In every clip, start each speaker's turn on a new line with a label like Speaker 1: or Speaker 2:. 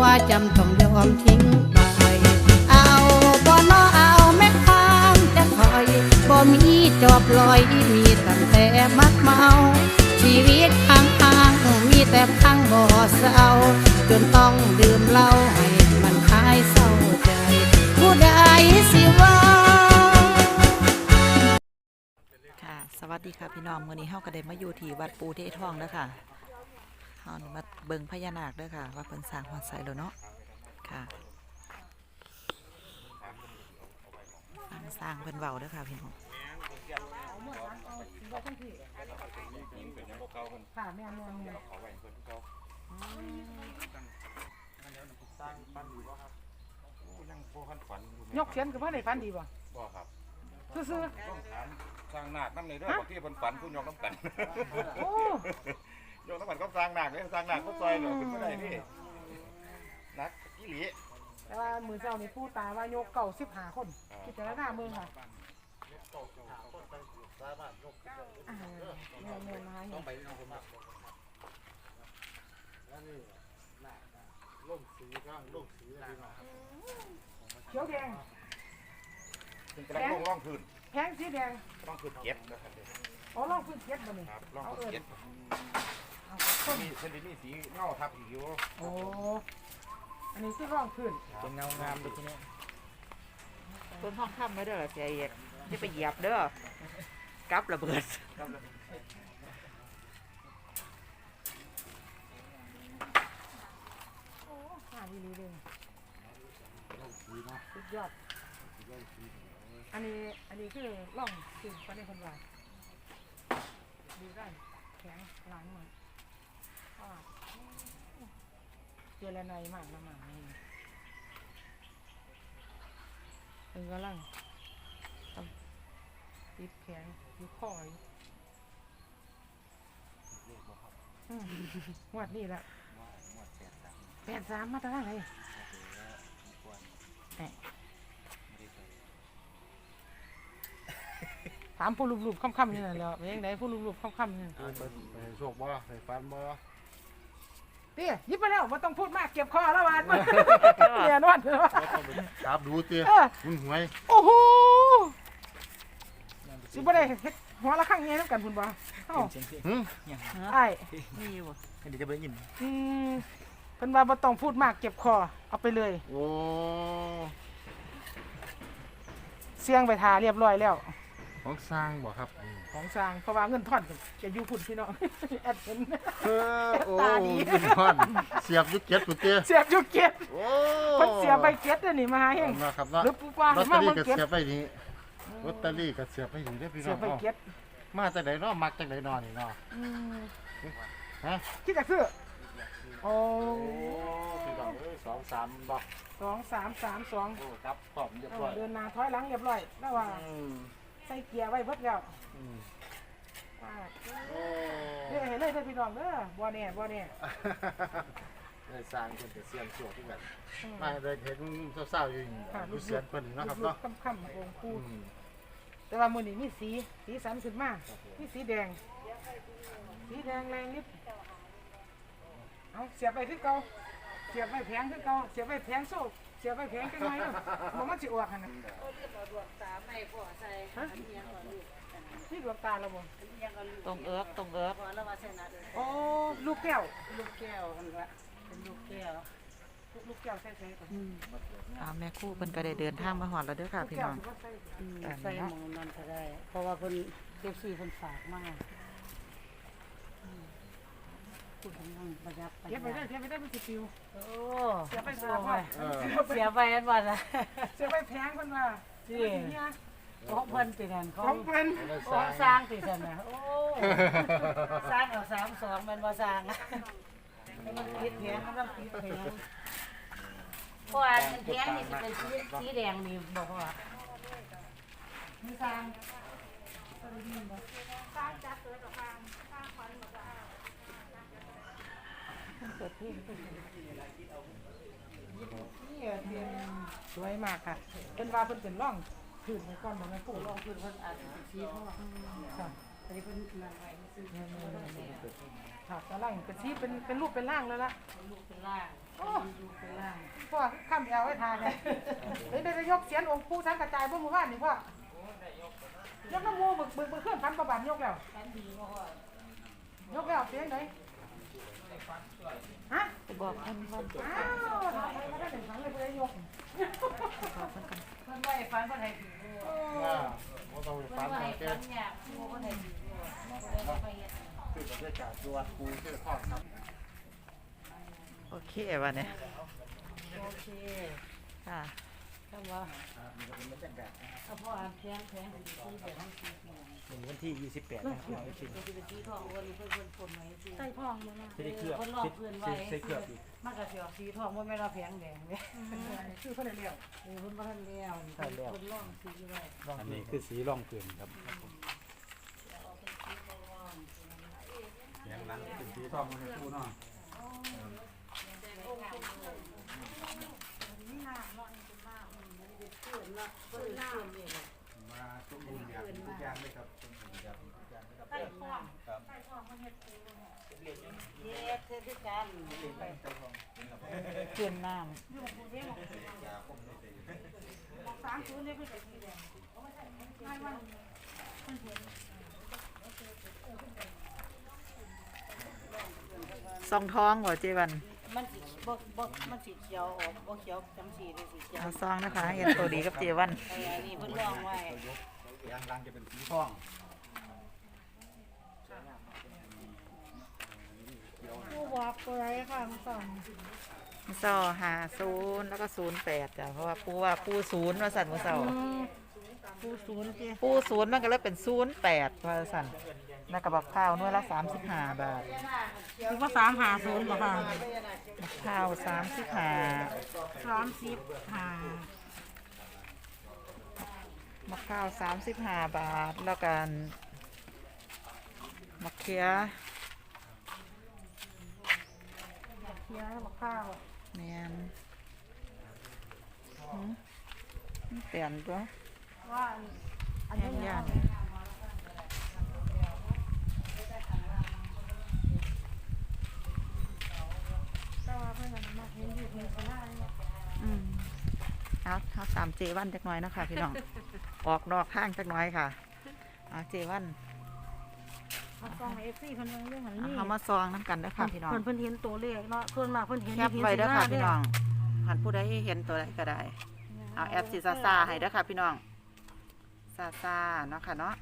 Speaker 1: จำต้องยอมทิ้งไปเอาบ่นอเอาแม่ค้างจะคอยบ่มีจอบลอยมีตั้งแต่มักเมาชีวิตข้างๆมีแต่พังบ่เศร้าจนต้องดื่มเหล้าให้มันคลายเศร้าใจผู้ใดสิว่า
Speaker 2: ค่ะสวัสดีค่ะพี่น้องวันนี้เฮาก็ได้มาอยู่ที่วัดปูเททองแล้วค่ะเฮานี่มาเบิ่งพญานาคด้วยค่ะว่าเพิ่นสร้างฮอดไสแล้วเนาะค่ะสร้างเพิ่นเว้าด้วยค่ะพี่น้อง
Speaker 3: ค่ะแม่นยกเขียนกับเพื่อนในฝันดีบ่
Speaker 4: บ่ครับ
Speaker 3: ซื่อ
Speaker 4: ต้องถามสร้างนาคน้ำในเรื่องบางที่เพิ่นฝันผู้ยกน้ำกัน
Speaker 3: โอ้
Speaker 4: ยกน้ำกันก็สร้างนาคเลยสร้างนาคก็ซอยเหรอขึ้นไม่ได้พี่นักอีหลี
Speaker 3: แต่ว่ามือเจ้านี่ผู้ตายว่ายกเก่า15 คนคิดแต่ละหน้าเมืองค่ะแม่นมาต้องไปน้องผม
Speaker 4: ล่มสีก็ล่มสีอะไรเนาะ
Speaker 3: เขียวแดง
Speaker 4: เป็นกระด้งร่องพื้น
Speaker 3: แพงสีแดง
Speaker 4: ร่องพื้นเก็บนะครับ
Speaker 3: อ๋อร่องพื้นเก็บบ่นี่
Speaker 4: ครับร่องพื้นเก็บมีเส้นนี้สีเงาทับอีกอยู่
Speaker 3: โอ้อันนี้คือร่องพื้น
Speaker 4: เป็นเงางามเลยทีนี้
Speaker 2: ต้นห้องค่ำไว้เด้อเสียเอกอย่าไปเหยียบเด้อกับระเบิด
Speaker 3: ดีเลยสุดยอดอันนี้คือร่องคือประเด็นคนว่าดูได้แข็งหลังหน่อยเจรนายมากนะมากำลังติดแข็งอยู่คอยงวดนี่แหละ83มาตั้งแต่ไหนถามผู้รูปๆค่ำๆนี่แหละแล้วเป็นยังไงผู้รูปๆค่ำๆนี่
Speaker 4: ไปโชคบ่ไปฟันบ่
Speaker 3: เตี้ยยิบไปแล้วไม่ต้องพูดมากเก็บคอแล้ววันเนี่ยนวด
Speaker 4: ครับดูเตี้ยคุณหวย
Speaker 3: โอ้โหสิบ่ได้เฮ็ดหัวละข้างเงี้ยน้ำกันคุณบ่เอ้าไอ้
Speaker 2: นี่อยู่บ่
Speaker 4: เดี๋ยวจะไปยิน
Speaker 3: เพิ่นว่าบ่ต้องพูดมากเก็บคอเอาไปเลย
Speaker 4: โอ้
Speaker 3: เสียงไปทาเรียบร้อยแล้ว
Speaker 4: ของสร้างบ่ครับ
Speaker 3: ของสร้างเพราะว่าเงินทอนจะอยู่พุ่นพี่น้องแอดเห็น
Speaker 4: โอ้เงินทอนเสียบยุกเก็ตปุ๊เตี้ย
Speaker 3: เสียบยุกเก็ตโอ้เพิ่นเสียบไปเก็ตนี่มาเฮง
Speaker 4: นะครับเนาะ
Speaker 3: หรือปุ๊บว่า
Speaker 4: มาเบิ่งเก็ตเสียบไปนี่ลอตเตอรี่ก็เสียบไปนี่เด้อพี่น้อง
Speaker 3: เสียบไปเก็ต
Speaker 4: มาจากไหนเนาะมักจากไหนนอนนี่เนาะฮะ
Speaker 3: คิดจะซื้อโอ้
Speaker 4: พี่น้องเอ้ย2-3บ่
Speaker 3: 2332
Speaker 4: โอ้ครับพร้อมเรียบร้อย
Speaker 3: เดินหน้าถอยหลังเรียบร้อยแล้วว่าใส่เกียร์ไว้เบิดแล้วเห็นเลยพี่น้องเด้อบ่แน่
Speaker 4: ได้สร้างเพิ่นจะเสียงสวดที่กันมาได้เห็นเศร้าๆอยู่ดูเสียงเพิ่นนะครับเนาะ
Speaker 3: ค่ำๆองค์ปู่แต่ว่ามื้อนี้มีสีสันขึ้นมามีสีแดงแรงนิดเอาเสียบไปคือเก่าเสียบไปแพงคือเก่าเสียบไปแพงโซ่เสียบไปแพงจังไงบ่มันสิออกหั่นน่ะดวงตาไม่พอใส่นี่ดวงตาแล้วบ่
Speaker 2: ตรงเอิก
Speaker 3: โอ้ลูกแก้ว
Speaker 2: หั่นว่าเป็นลูกแก้ว
Speaker 3: ใส่ๆก่อน
Speaker 2: แม่ครูเพิ่นก็ได้เดินทางมาฮอดแล้วเด้อค่ะพี่น้อง
Speaker 5: ใส่หมูนั่นก็ได้เพราะว่าเพิ่นเก็บซี่เพิ่นฝากมาคุณกำลังประหยัด
Speaker 3: เก็บไปได้มันสิปิว
Speaker 5: โอ้
Speaker 3: เสียไปซะพ่อ
Speaker 5: เสียไปอันว่าล่ะ
Speaker 3: เสียไปแพงเพิ่นว่า
Speaker 5: สิของเพิ่นตินั่น
Speaker 3: ของเพิ่น
Speaker 5: ของสร้างติซั่นน่ะโอ้สร้างเอา32มันบ่สร้างมันติดแพงมันติดแพงเพราะว่าแพงนี่สิเป็นสีแดงนี่บ่พอมีสร้างจัดตัวกับสร้างขวัญบ่ได้
Speaker 3: เปิดเพลงสวยมากค่ะเป็นว่าเพิ่นเป็นร่องพื้นก่อนบ่แม่ปู่
Speaker 5: ร่องพื้นเพิ่นอาจจะสีทองค่ะอันนี้เพิ่นนั่นไว้ซื้อ
Speaker 3: ค่ะกำลังเป็นสีเป็นรูปเป็นร่างแล้วล่ะ
Speaker 5: รูปเป็นร่าง
Speaker 3: โอ้
Speaker 5: รูปเป็นร่าง
Speaker 3: พ่อข้ามแอวไว้ทานเลยเฮ้ยได้ยกเสียนองค์ปู่สังกระจายบ่หมู่บ้านนี่พ่อยกน้ำมูบึกเคลื่อนพันประบาทยกแล้วยกแล้วเสียงไหนฮะ
Speaker 2: ไปบอกเพิ่นว่า
Speaker 3: อ้าวทำไมไม่ได้ถึงครั้งเลยเพื่อยก
Speaker 2: บอกเพิ่นกัน
Speaker 5: เพิ่นบ่ให้ฟันเพิ่นให้ถือ
Speaker 6: บ่ต้อง
Speaker 5: เพิ่น
Speaker 6: ฟัน
Speaker 5: บ่ให้
Speaker 6: แก่
Speaker 5: ฟันยากผู้เพิ่นให้ถือไปเฮ็ด
Speaker 6: คือบรรยากาศวัดปูเชื่อทอดครับ
Speaker 2: โอเควันนี้
Speaker 5: โอเค
Speaker 2: ค่ะ
Speaker 5: คำว่าเอาพ่ออ่านแพงสิซื้อแบบนี้สิ
Speaker 6: วันที่28นะครับพี่น้องที่
Speaker 5: เป็นสีทองวันนี้เพิ่นคนไว้สิ
Speaker 3: ใส่ทองมึงนะ
Speaker 6: ได้เคลือบ
Speaker 5: เพิ่นลอกเพิ่นไว้
Speaker 6: ใส่เคลือบอีก
Speaker 5: มันก็สิออกสีทองบ่แม่นว่าแพงแดงเด้
Speaker 3: ชื่อเพื่อนเรียก
Speaker 5: เพิ่นบ่ทันแล้วเพิ่นลอกสีไว้
Speaker 6: อันนี้คือสีร่องเกลือนครับอย่างนั้นเป็นสีทองมันปูเนาะ มาสมบูรณ์อย่างทุกอย่างเลยครับสมบูรณ์อย่างทุกอย่างเลยครับ
Speaker 5: ใต้ท้อง
Speaker 6: ครับ
Speaker 5: ใต้ท้องมันเฮ็ดปูเฮ็ดคือกัน
Speaker 2: เปลี่ยนน้
Speaker 5: อยู่ปูเด้บอก30นี่คือสีแดง
Speaker 2: ำซองท้องบ่เจวัน
Speaker 5: มันสิบ่มันสิเขียวออกบ่เขียวจังสีเลยสิเขียว
Speaker 2: เอาซองนะคะเห็นตัวดีกับเจวัน
Speaker 5: อันนี้เพิ่นลองไว้
Speaker 6: ยางรังจะเป็นสีทอง
Speaker 3: ผู้บอกตัวไรค่ะสอง
Speaker 2: เศร้า50แล้วก็08จ้ะเพราะว่าปู0ว่าสั่นมื้อเช้า
Speaker 3: ผู้ศูนย์เจ้
Speaker 2: ปู0มันก็เลยเป็น08ว่าสั่นแล้วก็บักข้าวหน่วยละ35 บาท
Speaker 3: ถึงว่า350บ่ค่ะ
Speaker 2: บักข้าว35 มะข้าว35 บาท แล้วกันมะเขือ
Speaker 3: เคี้ยวบอกข้าว
Speaker 2: แมนเปลี่ยนตัว
Speaker 3: ว่าอัน
Speaker 2: แห้
Speaker 3: นี้
Speaker 2: งย่าน
Speaker 3: ก็ว่าเพื่อนมาเห็นอยู่เห็นสลาย
Speaker 2: เอาตามเจวันจักหน่อยนะคะพี่น้อง ออกนอกข้างจักหน่อยค่ะเอาเจวัน
Speaker 3: เอากล้องเอฟซีเพิ่นยังเรื่องหัน
Speaker 2: เอา
Speaker 3: นี่
Speaker 2: เขามาซองน้ำกันเด้อค่ะพี่น้อง
Speaker 3: เพิ่นเห็นตัวเลขเนาะเพิ่นมากเพิ่นเห็น
Speaker 2: แคปไว้เด้อค่ะพี่น้องหันผู้ใดเห็นตัวใดก็ได้ เอาแอปสีซาให้เด้อค่ะพี่น้องซาเนาะค่ะเนาะ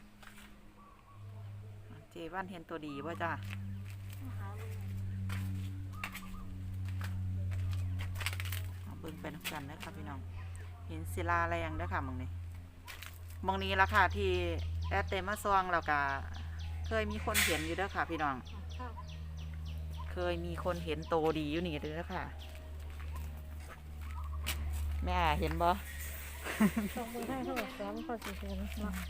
Speaker 2: เจวันเห็นตัวดีว่าจ้าเอาเบิ่งไปน้ำกันนะคะพี่น้องเห็นศิลาแรงเด้อค่ะหมองนี้หมองนี้ละค่ะที่แอดเตมาซองแล้วก็เคยมีคนเห็นอยู่เด้อค่ะพี่น้องเคยมีคนเห็นโตดีอยู่นี่เด้อค่ะแม่เห็นบ่
Speaker 3: ส่งไปให้เขาบอกสอนเขาสิเห็นเนาะ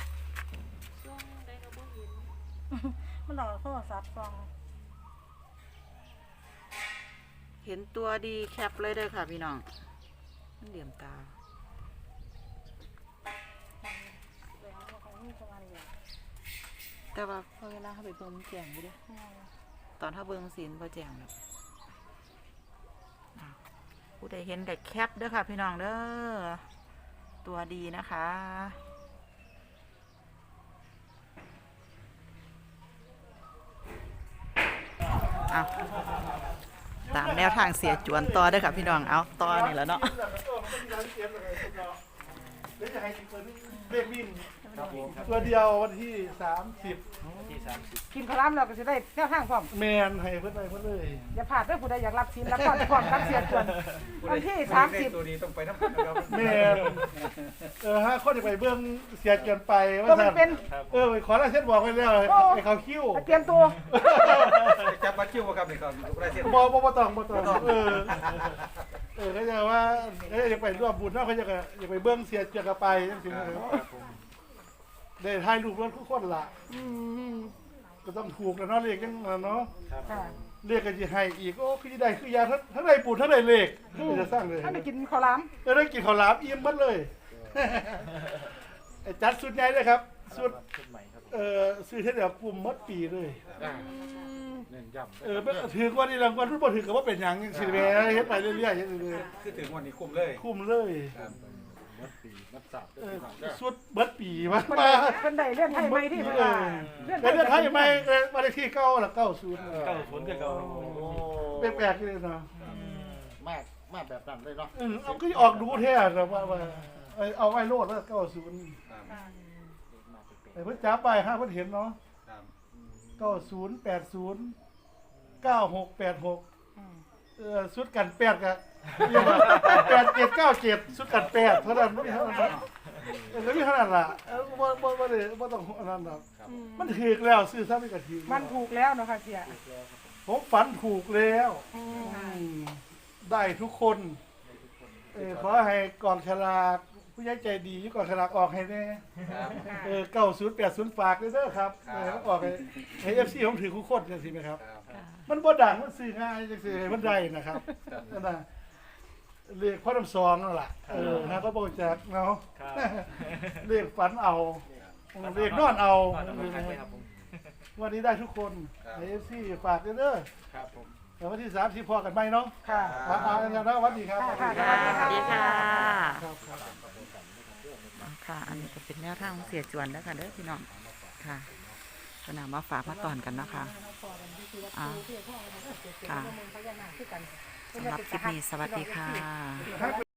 Speaker 3: มันหลอกโทรศัพท์ส่อง
Speaker 2: เห็นตัวดีแคปเลยเด้อค่ะพี่น้องมันเหลี่ยมตาแต่ว่าพอเวลาเขาไปเบิ่งมันแจ้งอยู่เด้อตอนถ้าเบิ่งศีลพอแจ้งแบบผู้ใดเห็นแต่แคปเด้อค่ะพี่น้องเด้อตัวดีนะคะเอาตามแนวทางเสียจวนต่อเด้อค่ะพี่น้องเอาต่อนี่แหล้วเนาะ
Speaker 6: เลขวิ่งตัวเดียววันที่30
Speaker 3: กินข้าวล้ำเราก็จะได้แนวทางพร้อม
Speaker 6: แมนให้เพิ่นไปเพิ่นเลย
Speaker 3: อย่าพลาดเด้อผู้ใดอยากรับศีลรับพรก่อนรับเสียจวนวันที่30
Speaker 4: ตัวนี้ต้องไปน้ำพันนะครับ
Speaker 6: แมนฮะคนจะไปเบื้องเสียเกินไปว่า
Speaker 3: ตัวมัน
Speaker 6: ซั่น
Speaker 3: เป็น
Speaker 6: ไปขอลายเส้นบอกไว้แล้วให้เขาคิ้ว
Speaker 3: เตรียมตัว
Speaker 4: จับบัตรคิวครับนี่ครับได้เส้น
Speaker 6: บ่ต้องเขาจะว่าจะไปร่วมบุญเนาะเขาจะไปเบื้องเสียเกินไปจังซี่ได้ถ่ายรูปรถทุกคนล่ะก็ต้องถูกแล้วเนาะเลขจังเนาะ
Speaker 3: ค่ะ
Speaker 6: เลขก็สิให้อีกโอ้คือสิได้คือยาทั้งได้บุญทั้งได้เลขจะสร้างเลย
Speaker 3: ถ้าได้กินข้าวล้
Speaker 6: ได้กินข้าวหลามอิ่มหมดเลยจัดสุดใหญ่เลยครับสุดซื้อเท่าเดียวกลุ่มหมดปีเลย
Speaker 4: ใน
Speaker 7: เน้นย้ำ
Speaker 6: ถือว่านี่รางวัลรุ่นบ่ถือกับว่าเป็นหยังสิแม่เฮ็ดไปเรื่อยๆเฮ็ดเรื่อย
Speaker 7: คือถึงวันนี้คุ้มเลย
Speaker 6: ๆคุ้มเลย
Speaker 7: ครับมัดปีมัดสับ
Speaker 6: สุดเบิดปีมา
Speaker 3: เพิ่นได้เลื่อนไทยไหมที่เพิ่นว่าเลื่อน
Speaker 6: แต่เรื่องไทยใหม่บ้านเลขที่9ละ90
Speaker 7: เก้าศูนย์ก็เก้า
Speaker 6: แปลกๆเลยเนาะ
Speaker 4: มาแบบนั้นเลยเนาะ
Speaker 6: เอาก็ออกดูแท้นะว่าเอาไว้โลดแล้ว90แต่เพิ่นจับไปฮะเพิ่นเห็นเนาะ
Speaker 7: ครับ
Speaker 6: 90 80 9686สุดกัน8กับเรียกว่า8797สุดกัน8เท่านั้นไม่เท่านั้นก็มีเท่านั้นล่ะบ่ได้บ่ต้องอันนั้นหรอกมันถูกแล้วซื้อซะไม่กระถิ่น
Speaker 3: มันถูกแล้วเนาะค่ะเสีย
Speaker 6: ผมฝันถูกแล้วได้ทุกคนขอให้กองฉลากผู้ใหญ่ใจดีกองฉลากออกให้แน่9080ฝากด้วยเด้อครับออกให้ FC ผมถือคู่คนจังซี่มั้ยครับมันบ่ดังมันซื้อง่ายจังซี่มันได้นะครับนั่นน่ะเลขพ่อน้ำซองนั่นล่ะนะก็บ่จักเนาะเลขฝันเอาเลขนอนเอาวันนี้ได้ทุกคนให้ FC ฝากด้วยเด้อ
Speaker 7: ครับผม
Speaker 6: แล้ววันที่30พอกันไหมเนาะ
Speaker 3: ค่ะ
Speaker 6: แล้วสวัสดีครับ
Speaker 3: ค่ะ
Speaker 2: สวัสดีค่ะ
Speaker 6: ครับครับ
Speaker 2: ค่ะ อันนี้ก็เป็นแนวทางของเสียจวนแล้วค่ะเด้อพี่น้องค่ะก็นำมาฝากมาตอนกันนะคะค่ะสำหรับคลิปนี้สวัสดีค่ะ